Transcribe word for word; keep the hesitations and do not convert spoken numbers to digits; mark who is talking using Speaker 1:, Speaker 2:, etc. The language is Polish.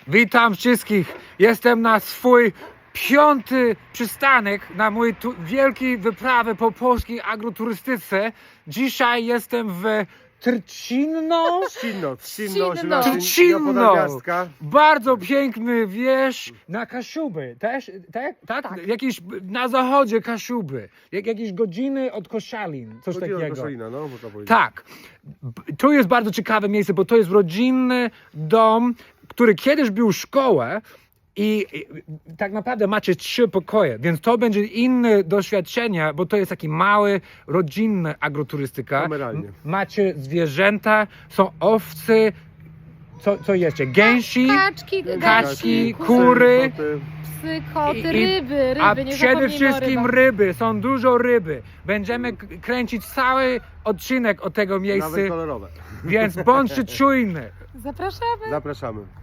Speaker 1: Witam wszystkich. Jestem na swój piąty przystanek na mój tu wielkiej wyprawy po polskiej agroturystyce. Dzisiaj jestem w Trcinno.
Speaker 2: Trzcinno,
Speaker 3: Trzcinno.
Speaker 2: Trzcinno,
Speaker 1: Trcinno.
Speaker 2: Gwiazdka.
Speaker 1: Bardzo piękny wieś na Kaszuby. Też, tak? Tak?
Speaker 3: Tak.
Speaker 1: Jakieś na zachodzie Kaszuby. Jak, jakieś godziny od Koszalin. Coś
Speaker 2: Godzina
Speaker 1: takiego.
Speaker 2: Koszalina, no można powiedzieć.
Speaker 1: Tak. B- To jest bardzo ciekawe miejsce, bo to jest rodzinny dom, który kiedyś był szkołą i, i tak naprawdę macie trzy pokoje, więc to będzie inne doświadczenie, bo to jest taki mały, rodzinny agroturystyka.
Speaker 2: Kameralnie.
Speaker 1: M- Macie zwierzęta, są owce, co, co jeszcze? Gęsi,
Speaker 3: Kaczki,
Speaker 1: Kaczki,
Speaker 3: kaczki,
Speaker 1: kury.
Speaker 2: koty.
Speaker 3: psy, koty,
Speaker 1: I- i-
Speaker 3: ryby, ryby,
Speaker 1: a
Speaker 3: nie
Speaker 1: przede
Speaker 3: zapomnijmy o
Speaker 1: wszystkim
Speaker 3: rybach.
Speaker 1: ryby, są dużo ryby. Będziemy k- kręcić cały odcinek od tego miejsca,
Speaker 2: Nawet kolorowe.
Speaker 1: więc bądźcie czujni.
Speaker 3: Zapraszamy.
Speaker 2: Zapraszamy.